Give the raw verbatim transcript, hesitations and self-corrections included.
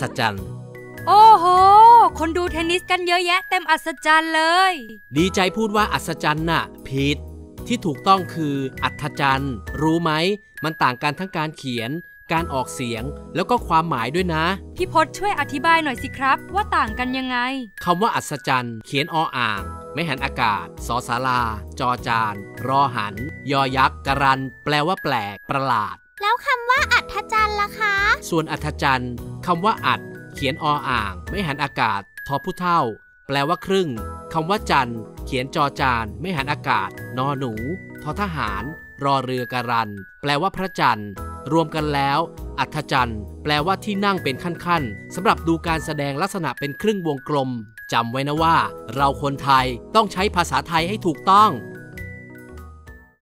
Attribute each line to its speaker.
Speaker 1: จรรย์
Speaker 2: โอ้โหคนดูเทนนิสกันเยอะแยะเต็มอัศจรรย์เลย
Speaker 1: ดีใจพูดว่าอัศจรรย์น่ะผิดที่ถูกต้องคืออัศจรรย์รู้ไหมมันต่างกันทั้งการเขียนการออกเสียงแล้วก็ความหมายด้วยนะ
Speaker 2: พี่พจน์ช่วยอธิบายหน่อยสิครับว่าต่างกันยังไง
Speaker 1: คำว่าอัศจรรย์เขียนออ่างไม่หันอากาศสอศาลาจอจานรอหันยอยักษ์กรันแปลว่าแปลกประหลาด
Speaker 3: แล้วคำว่าอัศจรรย์ล่ะคะ
Speaker 1: ส่วนอัศจรรย์คำว่าอัดเขียนออ่างไม่หันอากาศทอผู้เท่าแปลว่าครึ่งคำว่าจันเขียนจอจานไม่หันอากาศนอหนูทอทหารรอเรือกรันแปลว่าพระจันทร์รวมกันแล้วอัศจรรย์แปลว่าที่นั่งเป็นขั้นๆสำหรับดูการแสดงลักษณะเป็นครึ่งวงกลมจำไว้นะว่าเราคนไทยต้องใช้ภาษาไทยให้ถูกต้อง